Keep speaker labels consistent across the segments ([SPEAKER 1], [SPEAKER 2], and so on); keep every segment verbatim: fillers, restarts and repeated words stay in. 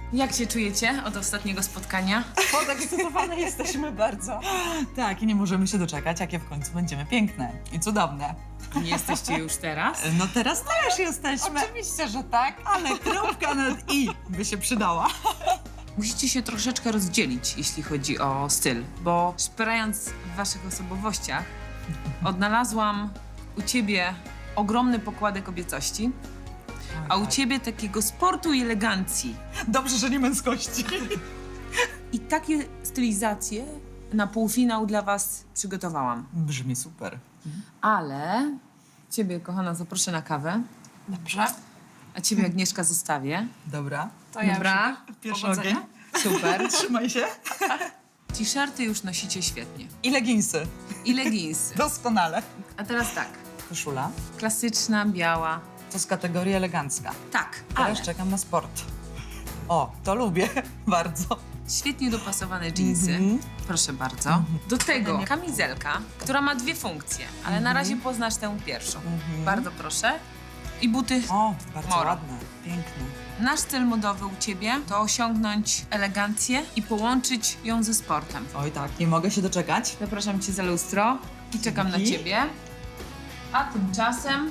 [SPEAKER 1] Jak się czujecie od ostatniego spotkania?
[SPEAKER 2] Podekscytowane jesteśmy bardzo.
[SPEAKER 3] Tak, i nie możemy się doczekać, jakie w końcu będziemy piękne i cudowne.
[SPEAKER 1] Nie jesteście już teraz?
[SPEAKER 3] No teraz też jesteśmy,
[SPEAKER 2] Oczywiście, że tak.
[SPEAKER 3] ale kropka nad i by się przydała.
[SPEAKER 1] Musicie się troszeczkę rozdzielić, jeśli chodzi o styl, bo szperając w waszych osobowościach, odnalazłam u ciebie ogromny pokładek kobiecości, a u ciebie takiego sportu i elegancji.
[SPEAKER 3] Dobrze, że nie męskości.
[SPEAKER 1] I takie stylizacje na półfinał dla was przygotowałam.
[SPEAKER 3] Brzmi super.
[SPEAKER 1] Ale ciebie, kochana, zaproszę na kawę,
[SPEAKER 2] Dobrze.
[SPEAKER 1] a ciebie, Agnieszka, zostawię.
[SPEAKER 3] Dobra.
[SPEAKER 2] To ja
[SPEAKER 1] Dobra?
[SPEAKER 3] Pierwszy
[SPEAKER 2] Powodzenia.
[SPEAKER 3] ogień.
[SPEAKER 1] Super.
[SPEAKER 3] Trzymaj się.
[SPEAKER 1] T-shirty już nosicie świetnie.
[SPEAKER 3] I leginsy.
[SPEAKER 1] I leginsy.
[SPEAKER 3] Doskonale.
[SPEAKER 1] A teraz tak,
[SPEAKER 3] Koszula.
[SPEAKER 1] klasyczna, biała.
[SPEAKER 3] To z kategorii elegancka.
[SPEAKER 1] Tak,
[SPEAKER 3] Teraz
[SPEAKER 1] ale
[SPEAKER 3] czekam na sport. O, to lubię bardzo.
[SPEAKER 1] świetnie dopasowane dżinsy.
[SPEAKER 3] Mhm.
[SPEAKER 1] Proszę bardzo. Do tego kamizelka, która ma dwie funkcje, ale na razie poznasz tę pierwszą. Bardzo proszę. I buty.
[SPEAKER 3] O, bardzo
[SPEAKER 1] Moro.
[SPEAKER 3] ładne, piękne.
[SPEAKER 1] Nasz cel modowy u ciebie to osiągnąć elegancję i połączyć ją ze sportem.
[SPEAKER 3] Oj tak, nie mogę się doczekać.
[SPEAKER 1] Zapraszam cię za lustro i czekam na
[SPEAKER 3] Dzięki.
[SPEAKER 1] ciebie. A tymczasem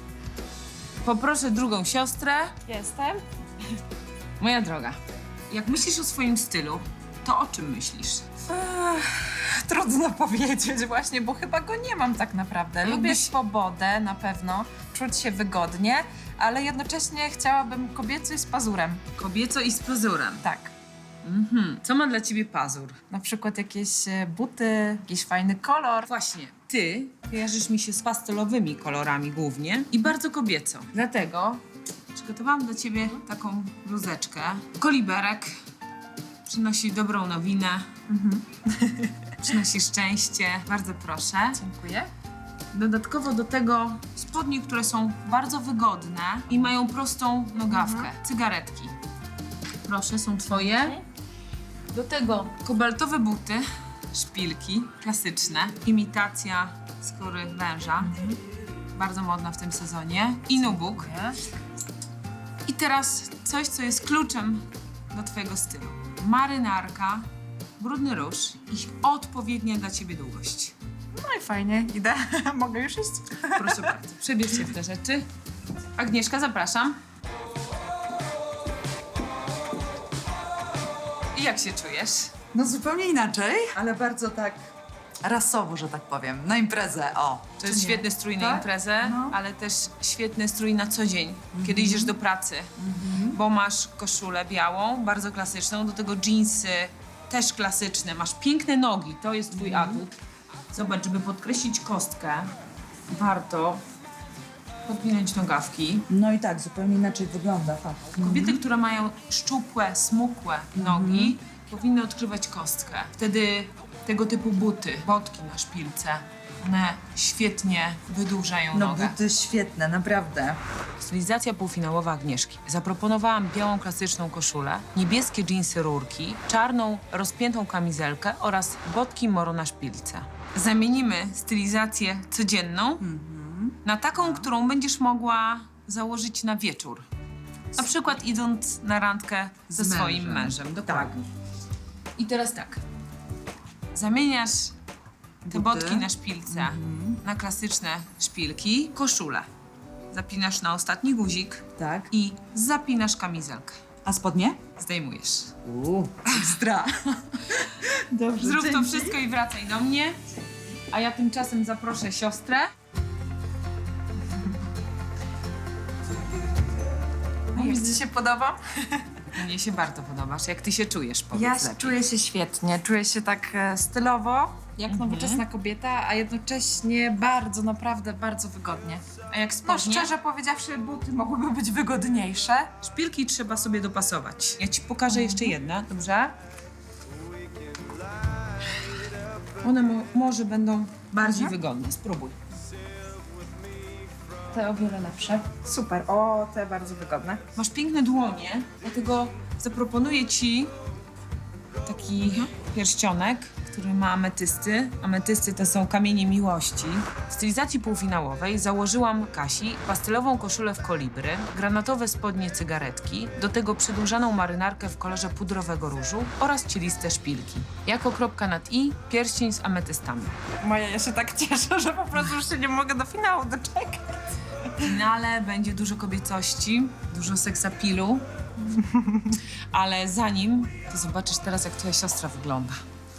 [SPEAKER 1] poproszę drugą siostrę.
[SPEAKER 2] Jestem.
[SPEAKER 1] Moja droga, jak myślisz o swoim stylu, to o czym myślisz?
[SPEAKER 2] Trudno powiedzieć właśnie, bo chyba go nie mam tak naprawdę. Lubię
[SPEAKER 1] Jakbyś-
[SPEAKER 2] swobodę na pewno, czuć się wygodnie, ale jednocześnie chciałabym kobieco i z pazurem.
[SPEAKER 1] Kobieco i z pazurem.
[SPEAKER 2] Tak.
[SPEAKER 1] Mhm. Co ma dla ciebie pazur?
[SPEAKER 2] Na przykład jakieś e, buty, jakiś fajny kolor.
[SPEAKER 1] Właśnie, ty kojarzysz mi się z pastelowymi kolorami głównie i bardzo kobieco. Dlatego przygotowałam dla ciebie taką bluzeczkę. Koliberek przynosi dobrą nowinę, przynosi szczęście. Bardzo proszę.
[SPEAKER 2] Dziękuję.
[SPEAKER 1] Dodatkowo do tego spodnie, które są bardzo wygodne i mają prostą nogawkę. Cygaretki. Proszę, są twoje. Do tego kobaltowe buty, szpilki klasyczne, imitacja skóry węża. Bardzo modna w tym sezonie. I nubuk. I teraz coś, co jest kluczem do twojego stylu. Marynarka, brudny róż i odpowiednia dla ciebie długość.
[SPEAKER 2] No i fajnie, idę. Mogę już iść?
[SPEAKER 1] Proszę bardzo, przebierz się w te rzeczy. Agnieszka, zapraszam. I jak się czujesz?
[SPEAKER 3] No zupełnie inaczej, ale bardzo tak rasowo, że tak powiem. Na imprezę, o.
[SPEAKER 1] To jest świetny strój na
[SPEAKER 3] Tak?
[SPEAKER 1] imprezę,
[SPEAKER 3] No.
[SPEAKER 1] ale też świetny strój na co dzień, kiedy idziesz do pracy. Bo masz koszulę białą, bardzo klasyczną, do tego dżinsy też klasyczne. Masz piękne nogi, to jest twój atut. Zobacz, żeby podkreślić kostkę, warto podpinać nogawki.
[SPEAKER 3] No i tak, zupełnie inaczej wygląda, fakt.
[SPEAKER 1] Kobiety, które mają szczupłe, smukłe nogi, powinny odkrywać kostkę. Wtedy tego typu buty, botki na szpilce, one świetnie wydłużają
[SPEAKER 3] No
[SPEAKER 1] nogę.
[SPEAKER 3] buty świetne, naprawdę.
[SPEAKER 1] Stylizacja półfinałowa Agnieszki. Zaproponowałam białą klasyczną koszulę, niebieskie dżinsy rurki, czarną rozpiętą kamizelkę oraz botki moro na szpilce. Zamienimy stylizację codzienną na taką, którą będziesz mogła założyć na wieczór. Na przykład idąc na randkę ze
[SPEAKER 3] Z
[SPEAKER 1] swoim
[SPEAKER 3] mężem.
[SPEAKER 1] mężem. Dokładnie. I teraz tak. Zamieniasz te
[SPEAKER 3] Buty.
[SPEAKER 1] botki na szpilce na klasyczne szpilki, koszulę. Zapinasz na ostatni guzik
[SPEAKER 3] Tak.
[SPEAKER 1] i zapinasz kamizelkę.
[SPEAKER 3] A spodnie?
[SPEAKER 1] Zdejmujesz.
[SPEAKER 3] Uuu, ekstra. Dobrze,
[SPEAKER 1] Zrób to
[SPEAKER 3] dzięki.
[SPEAKER 1] wszystko i wracaj do mnie. A ja tymczasem zaproszę siostrę.
[SPEAKER 2] No jak ci się podoba?
[SPEAKER 1] Mnie się bardzo podobasz. Jak ty się czujesz, powiedz
[SPEAKER 2] Ja
[SPEAKER 1] lepiej.
[SPEAKER 2] czuję się świetnie, czuję się tak e, stylowo, jak nowoczesna kobieta, a jednocześnie bardzo, naprawdę bardzo wygodnie.
[SPEAKER 1] A jak
[SPEAKER 2] No
[SPEAKER 1] spodnie?
[SPEAKER 2] szczerze powiedziawszy, buty mogłyby być wygodniejsze.
[SPEAKER 1] Szpilki trzeba sobie dopasować. Ja ci pokażę jeszcze jedne, dobrze? One mo- może będą bardziej wygodne. Spróbuj.
[SPEAKER 2] Te o wiele lepsze. Super, o, te bardzo wygodne.
[SPEAKER 1] Masz piękne dłonie, dlatego zaproponuję ci taki pierścionek, który ma ametysty. Ametysty to są kamienie miłości. W stylizacji półfinałowej założyłam Kasi pastelową koszulę w kolibry, granatowe spodnie cygaretki, do tego przedłużaną marynarkę w kolorze pudrowego różu oraz cieliste szpilki. Jako kropka nad i pierścień z ametystami.
[SPEAKER 2] Moja, ja się tak cieszę, że po prostu już się nie mogę do finału doczekać.
[SPEAKER 1] W finale będzie dużo kobiecości, dużo seksapilu, ale zanim, to zobaczysz teraz, jak twoja siostra wygląda.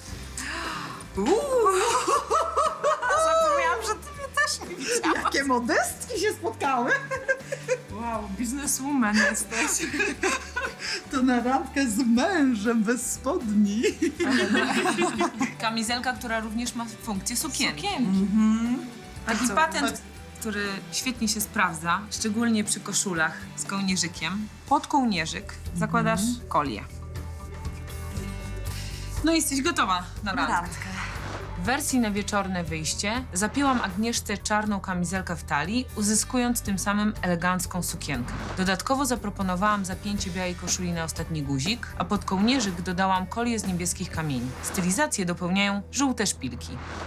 [SPEAKER 2] Zapomniałam, że ty mnie też nie widziałaś.
[SPEAKER 3] Jakie modestki się spotkały.
[SPEAKER 2] Wow, bizneswoman jesteś.
[SPEAKER 3] To na randkę z mężem bez spodni.
[SPEAKER 1] Kamizelka, która również ma funkcję sukienki.
[SPEAKER 2] Sukienki.
[SPEAKER 1] Taki
[SPEAKER 2] co?
[SPEAKER 1] patent, który świetnie się sprawdza, szczególnie przy koszulach z kołnierzykiem. Pod kołnierzyk zakładasz kolię. No i jesteś gotowa na randkę.
[SPEAKER 3] Randkę.
[SPEAKER 1] W wersji na wieczorne wyjście zapięłam Agnieszce czarną kamizelkę w talii, uzyskując tym samym elegancką sukienkę. Dodatkowo zaproponowałam zapięcie białej koszuli na ostatni guzik, a pod kołnierzyk dodałam kolię z niebieskich kamieni. Stylizację dopełniają żółte szpilki.